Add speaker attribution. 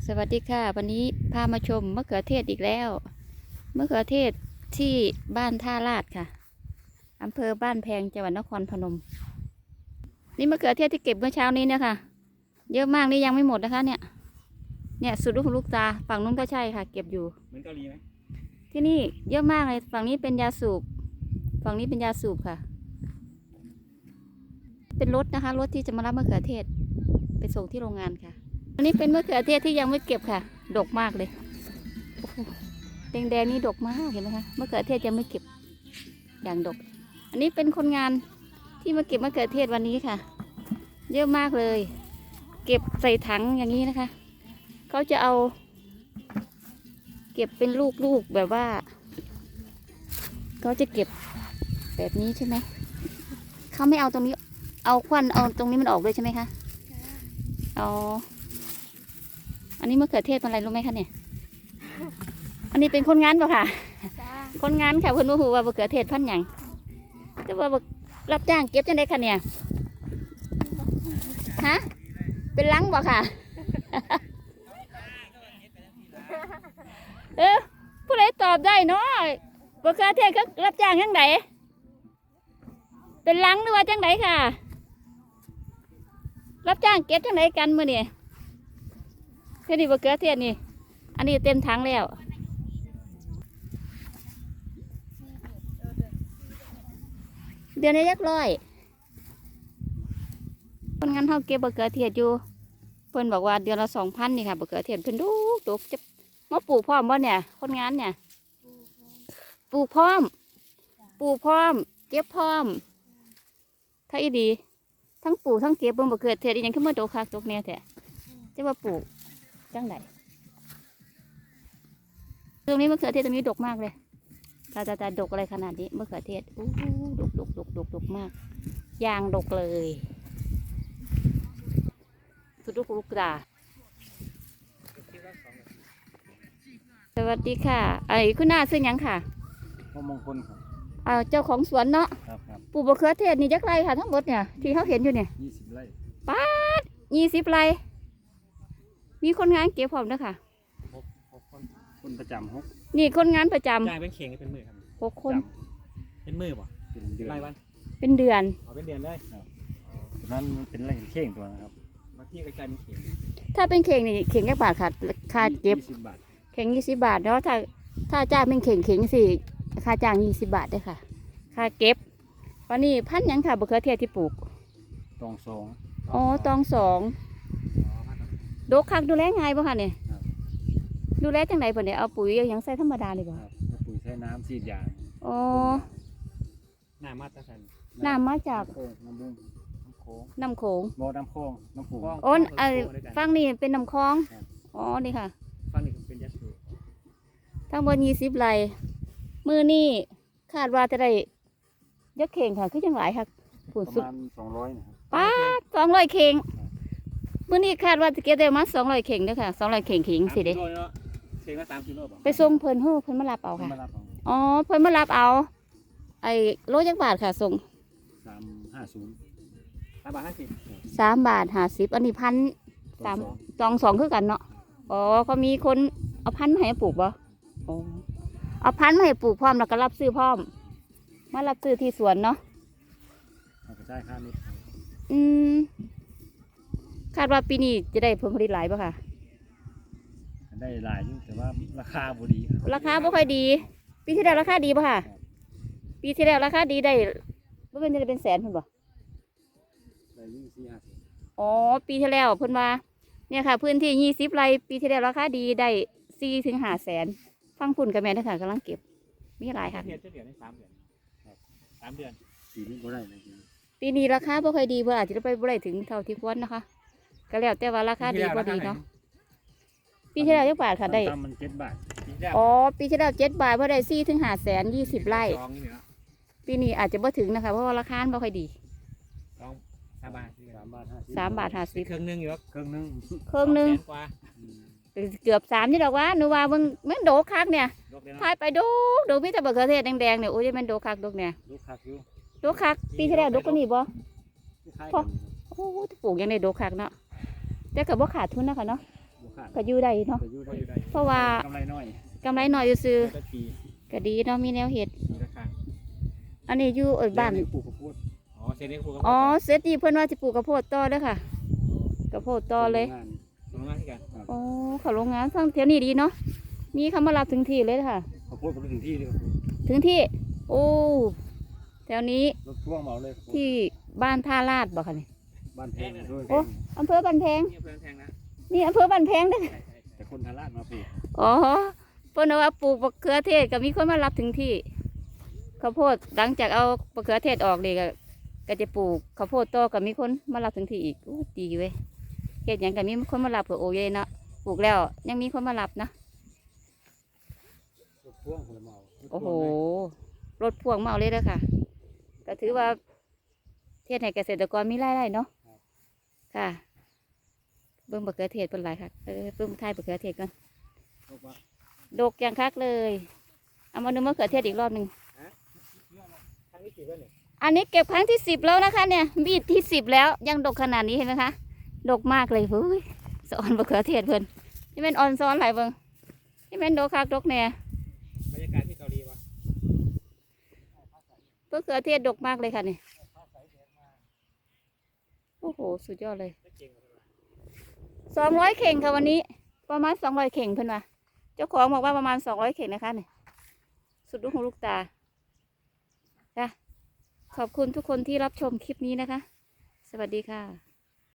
Speaker 1: สวัสดีค่ะวันนี้พามาชมมะเขือเทศอีกแล้วมะเขือเทศที่บ้านท่าลาดค่ะอำเภอบ้านแพงจังหวัดนครพนมนี่มะเขือเทศที่เก็บเมื่อเช้านี้นะคะเยอะมากนี่ยังไม่หมดนะคะเนี่ยสุดลูกหูลูกตาฝั่งนู้นก็ใช่ค่ะเก็บอยู่
Speaker 2: เหมือนเกาหลีไหม
Speaker 1: ที่นี่เยอะมากเลยฝั่งนี้เป็นยาสูบฝั่งนี้เป็นยาสูบค่ะเป็นรถนะคะรถที่จะมารับมะเขือเทศไปส่งที่โรงงานค่ะอันนี้เป็นมะเขือเทศที่ยังไม่เก็บค่ะดกมากเลยแดงๆนี่ดกมากเห็นไหมคะมะเขือเทศยังไม่เก็บอย่างดกอันนี้เป็นคนงานที่มาเก็บมะเขือเทศวันนี้ค่ะเยอะมากเลยเก็บใส่ถังอย่างนี้นะคะเขาจะเอาเก็บเป็นลูกๆแบบว่าเขาจะเก็บแบบนี้ใช่ไหมเขาไม่เอาตรงนี้เอาควันเอาตรงนี้มันออกด้วยใช่ไหมคะเอาอันนี้มะเขือเทศเป็นอะไรรู้ไหมคะเนี่ยอันนี้เป็นคนงานป่ะค่ะคนงานค่ะเพื่อนรู้ว่ามะเขือเทศพันธุ์หยังแต่ว่ารับจ้างเก็บจังได้ค่ะเนี่ยฮะเป็นลังป่ะค่ะผู้ใดตอบได้เนาะมะเขือเทศเขารับจ้างจังไดเป็นลังหรือว่าจังไดค่ะรับจ้างเก็บจังไดกันมื้อนี่แค่นี้มะเขือเทศนี่อันนี้เต็มถังแล้วเดือนละ100คนงานเขาเก็บมะเขือเทศอยู่เพิ่นบอกว่าเดือนละ2,000นี่ค่ะมะเขือเทศเพิ่นดูจะมาปลูกพร้อมบ่เนี่ยคนงานเนี่ยปลูกพร้อมเก็บพร้อมถ้าอีดีทั้งปลูกทั้งเก็บเบิ่งมะเขือเทศอีหยังขึ้นมาโตคักตกแน่แท้จะว่าปลูกจังไดตรงนี้มะเขือเทศตรงนี้ดกมากเลยตาดกอะไรขนาดนี้มะเขือเทศดกมากยางดกเลยสุดลูกตาสวัสดีค่ะไอ้คุณน้าซื้อหยังค่ะ
Speaker 2: มงคลครับ
Speaker 1: เจ้าของสวนเนาะ
Speaker 2: ครับ
Speaker 1: ปลูกมะเขือเทศนี่จักไรค่ะทั้งหมดเนี่ยที่เขาเห็นอยู่เนี่ย
Speaker 2: 20 ไร่
Speaker 1: ป้าด20 ไร่มีคนงานเก็บพร้อมด้วยค่ะ
Speaker 2: คนประจำ6
Speaker 1: นี่คนงานประจำ
Speaker 2: จ่ายเป็นเข่งเป็นมือครับ
Speaker 1: 6 คน
Speaker 2: เป็นมือป่ะเป็นเดือนรายวัน
Speaker 1: เป็นเดือน
Speaker 2: เป็นเดือนเลยนั้นเป็นไรเข่งตัวนะครับบางที่ก็จ่ายเป็นเข่ง
Speaker 1: ถ้าเป็นเข่งนี่เข่งแค่บาทค่ะค่าเก็บ
Speaker 2: 20 บาท
Speaker 1: เข่ง20 บาทแล้วถ้าจ้างเป็นเข่งสิค่าจ้าง20 บาทด้วยค่ะค่าเก็บวันนี้พันยังค่ะมะเขือเทศที่ปลูก
Speaker 2: ตอง2
Speaker 1: อ๋อตอง2ดกคักดูแลง่ายป่ะค่ะเนี่ยดูแลจังไหนป่ะเนี่ยเอาปุ๋ยยังใส่ธรรมดาเลยป่ะ
Speaker 2: ปุ๋ยใช้น้ำฉีดยา
Speaker 1: อ๋อ
Speaker 2: น้ำมาจาก
Speaker 1: น้ำมาจากน้ำโขง
Speaker 2: บ่อน้ำโขงน้ำผู
Speaker 1: อ๋อฟังนี่เป็นน้ำคลองอ๋อนี่ค่ะ
Speaker 2: ฟังนี่เป็นยาสูบ
Speaker 1: ทั้งหมด20 ไร่มือนี่คาดว่าจะได้ยักเข่งค่ะคือจังหลายค่ะผุนสุด
Speaker 2: ประมาณ200นะครับ
Speaker 1: ป้า200 เข่งมือนี่คาดว่าจะเก็บได้มา200 เข่งด้วยค่ะ200 เข่งสิเด้
Speaker 2: เข่งละ3 กิโล
Speaker 1: ไปส่งเพิ่นมารับเอาค่ะอ๋อเพิ่นมารับเอาไอ้โลจักบาทค่ะส่ง
Speaker 2: 350
Speaker 1: อันนี้1,302คือกันเนาะอ๋อเขามีคนเอาพันธุ์มาให้ปลูกบ่อ๋อเอาพันธุ์มาให้ปลูกพร้อมแล้วก็รับซื้อพร้อมมารับซื้อที่สวนเนาะ
Speaker 2: ได้ค่านิด
Speaker 1: คาดว่าปีนี้จะได้ผลผลิตหลายป่ะค่ะ
Speaker 2: ได้หลายอยู่แต่ว่าราคาบ่ดี
Speaker 1: ราคาไม่ค่อยดีปีที่แล้วราคาดีป่ะค่ะปีที่แล้วราคาดีได้ไม่เป็นจะเป็นแสนเพิ่นบ่
Speaker 2: ได้24-50
Speaker 1: อ๋อปีที่แล้วเพิ่นว่าเนี่ยค่ะพื้นที่20 ไร่ปีที่แล้วราคาดีได้4-5 แสนฟังพุ่นกับแม่ด้วยค่ะกำลังเก็บมีหลายค่ะ
Speaker 2: เดือนได้3 เดือน3 เดือนปีนี้บ่ได้เลย
Speaker 1: ปีนี้ราคาไม่ค่อยดีเพื่ออาจจะไปบ่ได้ถึงเท่าที่ควรนะคะก็แล้วแต่ว่าราคาดีพอดีเนาะปีที่แล้วจักบาทค่ะได้
Speaker 2: มัน7 บาท
Speaker 1: อ๋อปีที่แล้ว7 บาทเพื่อได้4-5 แสน20 ไร่ปีนี้อาจจะบ่ถึงนะคะเพราะว่าราคาไม่ค่อยดี3 บาท 50
Speaker 2: เครื่องนึงอยู่เครื่องนึง
Speaker 1: เกือบ3ที่ดอกว่าหนูว่ามันโดคักเนี่ยทายไปดูพี่ตะเบิกเขือเทศแดงเนี่ยโอ้ยมันโดคักดกเนี่ยโดคักปีที่แล้วดกก็นี่บ่พอโอ้ปลูกยังได้โดคักเนาะแต่กับบ่ขาดทุนนะคะเนาะ
Speaker 2: ขาด
Speaker 1: ก็อยู่ได้เนาะ
Speaker 2: ก็อยู่ได้
Speaker 1: เพราะว่า
Speaker 2: กำไรน้อย
Speaker 1: กำไรหน่อยซื้อ
Speaker 2: ได้ปี
Speaker 1: ๆก็ดีเนาะมีแนวเห็ด
Speaker 2: ปีละครั้ง
Speaker 1: อันนี้อยู่บ้าน
Speaker 2: แล้วปลูกข้าวโพดอ๋อเซนนี่ปลูกข้าวโพด
Speaker 1: อ๋อเสร็จดีเพื่อนว่าจะปลูกกระโพดต่อเด้อค่ะกระโพดต่อเลย
Speaker 2: โรงงานที่กันครับ
Speaker 1: อ๋อเขาโรงงานทั้งแถวนี้ดีเนาะมีเขามารับถึงที่เลยค่ะ
Speaker 2: ข้าวโพดก็ไปถึงที่เลยครับ
Speaker 1: ถึงที่ โอ้แถวนี้
Speaker 2: รถพ่วงเหมาเลย
Speaker 1: ที่บ้านท่าลาดบ่ค่ะนี่
Speaker 2: บ้านแพงด้วย
Speaker 1: โอ้อำเภอบันแพง
Speaker 2: นี่เพื่อนแพงนะ
Speaker 1: นี่อำเภอบันแพงเด้อ
Speaker 2: แต่คนทาราดมาปลูก
Speaker 1: อ๋อเพิ่นว่าปลูกมะเขือเทศก็มีคนมารับถึงที่ข้าวโพดหลังจากเอามะเขือเทศออกเลยก็จะปลูกข้าวโพดต่อก็มีคนมารับถึงที่อีกอู้ดีเว้ยเฮ็ดหยังก็มีคนมารับเผื่อโอเยเนาะปลูกแล้วยังมีคนมารับนะ
Speaker 2: รถพ่วงคนละเหมา
Speaker 1: โอ้โหรถพ่วงมาเอาเลยเด้อค่ะก็ถือว่าเทศให้เกษตรกรมีรายได้เนาะค่ะเบิ่งมะเขือเทศเป็นไรค่ะเบิ่งท้ายมะเขือเทศก่อน
Speaker 2: บอกว่า
Speaker 1: ดกอย่างคักเลยเอามาดูมะเขือเทศอีกรอบหนึ่ง
Speaker 2: ครั้งนี้กี่วันเนี่ย
Speaker 1: อันนี้เก็บครั้งที่10แล้วนะคะเนี่ยบีดที่10แล้วยังดกขนาดนี้เห็นไหมคะดกมากเลยเฮ้ยสอนมะเขือเทศเพิ่นนี่เป็นออนซ้อนหลายเบิ่งนี่เป็นดกคักดกแน่
Speaker 2: บรรยากาศที่เกาหลีวะ
Speaker 1: มะเขือเทศดกมากเลยค่ะนี่โอ้โหสุดยอดเลย200 เข่งค่ะวันนี้ประมาณ200 เข่งเพิ่นว่าเจ้าของบอกว่าประมาณ200 เข่งนะคะนี่สุดลูกหูลูกตาจ้ะขอบคุณทุกคนที่รับชมคลิปนี้นะคะ สวัสดีค่ะ